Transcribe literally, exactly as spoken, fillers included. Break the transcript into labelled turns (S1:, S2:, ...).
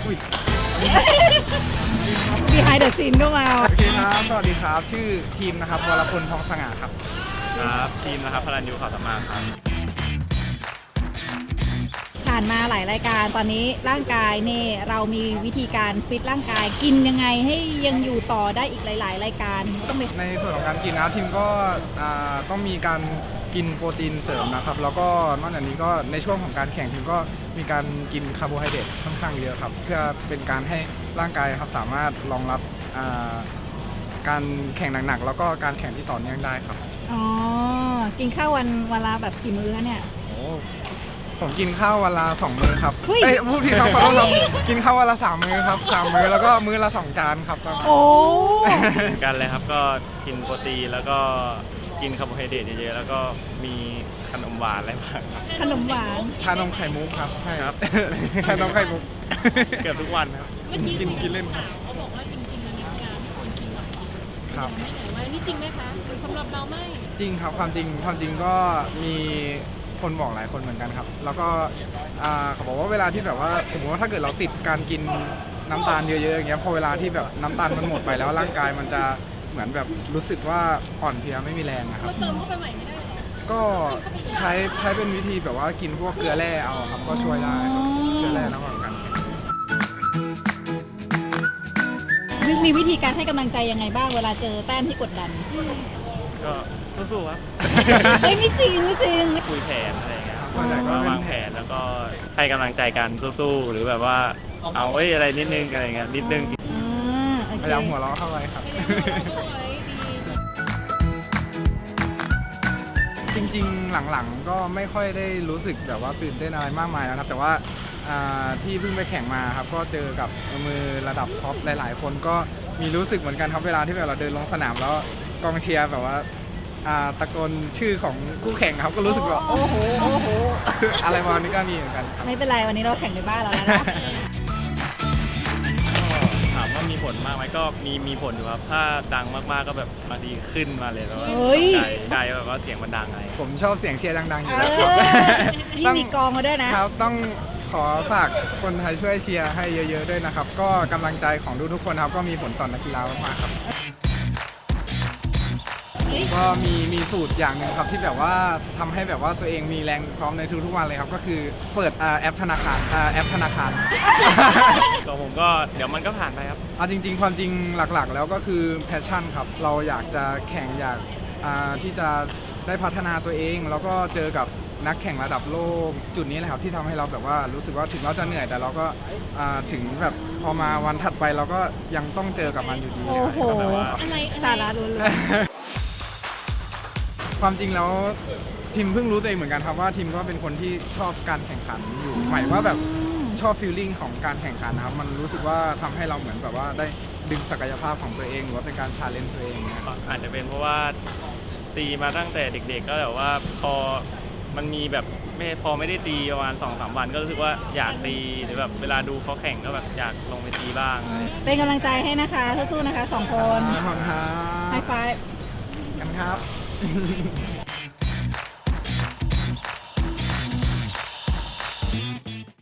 S1: อุ้ย
S2: behind the scene ก็มา
S1: โอเคครับสวัสดีครับชื่อทีมนะครับวรพลทองสง่าครับ
S3: ครับทีมนะครับพลันยูข่าวสามารถครับ
S2: ผ่านมาหลายรายการตอนนี้ร่างกายเนี่ยเรามีวิธีการฟิตร่างกายกินยังไงให้ยังอยู่ต่อได้อีกหลาย ๆ รายการต้องไป
S1: ในส่วนของการกินนะทีมก็อ่าต้องมีการกินโปรตีนเสริมนะครับแล้วก็นอกจากนี้ก็ในช่วงของการแข่งทีมก็มีการกินคาร์โบไฮเดรตค่อนข้างเยอะครับเพื่อเป็นการให้ร่างกายครับสามารถรองรับอ่าการแข่งหนักๆแล้วก็การแข่งที่ต่อเนื่องได้ครับ
S2: อ๋อกินข้าววันวันละแบบกี่มื้อคะเนี่ย
S1: โอ้ผมกินข้าววันละสองมื้อครับ
S2: เฮ้ย
S1: เอ้ยพูดผิดครับขอโทษครับกินข้าววันละสามมื้อครับสามมื้อแล้วก็มื้อละสองจานครับ
S2: โอ้
S3: เหมือนกันเลยครับก็กินโปรตีนแล้วก็กินคาร์โบไฮเดรตเยอะๆแล้วก็มีขนมหวานอะไรบ้างครับ
S2: ขนมหวาน
S1: ชานมไข่มุกครับใช่
S3: ครับ
S1: ชานมไข่มุก
S3: เกือบทุกวันครับ
S4: เมื่อกี้
S1: กินกินเล่น
S4: สาวเขาบอกว่าจริงๆมันมีการไม่ควรกินมาก่อน
S1: ครับ
S4: ไม่ไหนว่านี่จริงไหมคะสำหรับเราไม่
S1: จริงครับความจริงความจริงก็มีคนบอกหลายคนเหมือนกันครับ แล้วก็อ่าเขาบอกว่าเวลาที่แบบว่าสมมติว่าถ้าเกิดเราติดการกินน้ำตาลเยอะๆอย่างเงี้ยพอเวลาที่แบบน้ำตาลมันหมดไปแล้วร่างกายมันจะเหมือนแบบรู้สึกว่าอ่อนเพลียไม่มีแรงนะครับ
S4: เราเติมเข้าไปใหม่ไม่ได้หรอ
S1: ก็ใช้ใช้เป็นวิธีแบบว่ากินพวกเกลือแร่เอาครับก็ช่วยได้ครับเกลือแร่ระหว่างกัน
S2: มีวิธีการให้กำลังใจยังไงบ้างเวลาเจอแต้มที่กดดัน
S3: ก็สู้ๆครับ
S2: เฮ้ยไม่จริงไม่จริง
S3: คุยแผนอะไรอย่างเงี้ยครับ
S1: ส่วนใหญ่ก็
S3: ก็
S1: เป็น
S3: วางแผนแล้วก็ให้กำลังใจกันสู้ๆหรือแบบว่าเอาเอ้ยอะไรนิดนึงอะไรเงี้ยนิดนึง
S2: อ่าโอเค
S1: พยายามหัวเราะเข้าไว้ครับ จริงๆหลังๆก็ไม่ค่อยได้รู้สึกแบบว่าตื่นเต้นอะไรมากมายแล้วครับแต่ว่าอ่าที่เพิ่งไปแข่งมาครับก็เจอกับมือระดับท็อปหลายๆ คนก็มีรู้สึกเหมือนกันครับเวลาที่แบบเราเดินลงสนามแล้วกองเชียร์แบบว่าอ่าตะโกนชื่อของคู่แข่งครับก็รู้สึกแบบโอ้โหโอ้โห อะไรประมาณนี้ก็มีเหมือนกันครับ
S2: ไม่เป็นไรวันนี้เราแข่งในบ้านเราแล้วนะ
S3: ถามว่ามีผลมากไหมก็มีมีผลอยู่ครับถ้าดังมากๆก็แบบบางทีขึ้นมาเลยแล้ว
S2: เฮ้ย
S3: ใจใจแบบว่าเสียงมันดังอะไร
S1: ผมชอบเสียงเชียร์ดังๆอยู่
S2: เอ
S1: แล้วครับ
S2: อนี่มีกองมาด้วยนะ
S1: ครับต้องขอฝากคนไทยช่วยเชียร์ให้เยอะๆด้วยนะครับ ก็กำลังใจของทุกๆคนครับก็มีผลต่อนักกีฬามากๆครับก็มีมีสูตรอย่างหนึ่งครับที่แบบว่าทำให้แบบว่าตัวเองมีแรงซ้อมในทุกๆวันเลยครับ ก็คือเปิดอ่าแอปธนาคารอ่าแอปธนาคาร
S3: ก็ผมก็เดี๋ยวมันก็ผ่านไปครับ
S1: เอาจริง ๆ ความจริงหลักๆ แล้วก็คือแพชชั่นครับเราอยากจะแข่งอยากอ่าที่จะได้พัฒนาตัวเอง แล้วก็เจอกับนักแข่งระดับโลกจุดนี้แหละครับที่ทำให้เราแบบว่ารู้สึกว่าถึงเราจะเหนื่อยแต่เราก็อ่าถึงแบบพอมาวันถัดไปเราก็ยังต้องเจอกับมันอยู่ดี
S2: โอ้โห
S1: ก็แบบว่า
S4: อะไรอะไร
S2: สาระล้วน
S1: ความจริงแล้วทีมเพิ่งรู้ตัวเองเหมือนกันครับว่าทีมก็เป็นคนที่ชอบการแข่งขันอยู่หมายว่าแบบชอบฟีลลิ่งของการแข่งขันนะครับมันรู้สึกว่าทำให้เราเหมือนแบบว่าได้ดึงศักยภาพของตัวเองหรือว่าเป็นการชาเลนจ์ตัวเองนะครับ
S3: อาจจะเป็นเพราะว่าตีมาตั้งแต่เด็กๆก็แบบว่าพอมันมีแบบไม่พอไม่ได้ตีประมาณสองสามวันก็รู้สึกว่าอยากตีหรือแบบเวลาดูเขาแข่งก็แบบอยากลงไปตีบ้างอะไรอย่างเงี้ย
S2: ๆเป็นกำลังใจให้นะคะสู้ๆนะคะสองคน
S1: ขอบคุณครั
S2: ไฮ
S1: บ
S2: ไฟว์
S1: กันครับ